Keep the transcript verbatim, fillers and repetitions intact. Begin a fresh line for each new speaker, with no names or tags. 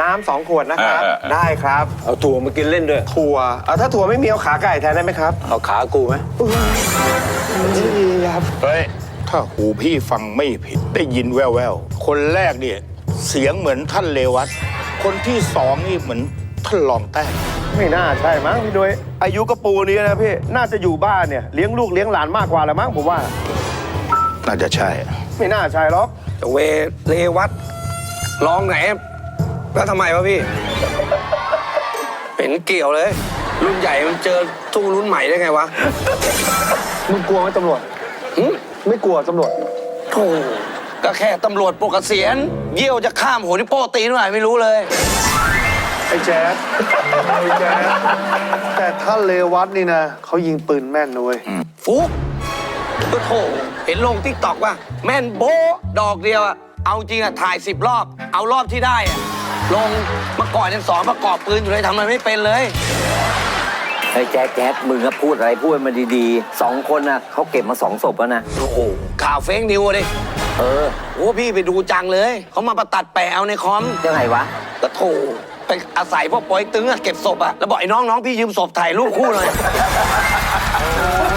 น้ำสองขวดนะครับได้ครับ
เอาถั่วมากินเล่นด้วย
ถั่วเอาถ้าถั่วไม่มีเอาขาไก่แทนได้ไหมครับ
เอาขากูไหม
ดีครับ
เฮ้ยถ้าหูพี่ฟังไม่ผิดได้ยินแว่วๆคนแรกเนี่ยเสียงเหมือนท่านเลวัตคนที่สองนี่เหมือนท่านรองแต้ม
ไม่น่าใช่มั้งพี่ด้วยอายุกระปูนี้นะพี่น่าจะอยู่บ้านเนี่ยเลี้ยงลูกเลี้ยงหลานมากกว่าแล้วมั้งผมว่า
น่าจะใช่
ไม่น่าใช่หรอก
เวเลวัตลองไหนแล้วทำไมวะพี่เป็นเกี่ยวเลยรุ่นใหญ่มันเจอตู้รุ่นใหม่ได้ไงวะ
มึงกลัวไหมตำรวจไม่กลัวตำรวจ
โธ่ก็แค่ตำรวจปกเกษียณเยี่ยวจะข้ามหัวที่โป้ตีนหน่อยไม่รู้เลย
ไอ้แจ๊ดไอ้แจ๊ดแต่ถ้าเลวัตนี่นะเขายิงปืนแม่นนะเว้ย
ฟุ๊กก็โถเห็นลงติ๊กต็อกว่าแม่นโบ๊ะดอกเดียวอะเอาจริงอะถ่ายสิบรอบเอารอบที่ได้อะลงมาก่อนยังสอนประกอบปืนอยู่เลยทำอะไรไม่เป็นเลย
ไอ้แจ๊คแจ๊คมึงก็พูดอะไรพูดมาดีๆสองคนน่ะเขาเก็บมาสองศพแล้วนะ
โอ้โหข่าวเฟกนิวดิ
เออ
โอ้พี่ไปดูจังเลยเขามาประตัดแปะเอาในคอม
ยังไงวะ
ก็โถไปอาศัยพวกปอยตึงอะเก็บศพอะแล้วบอกไอ้น้องน้องพี่ยืมศพถ่ายรูปคู่เลย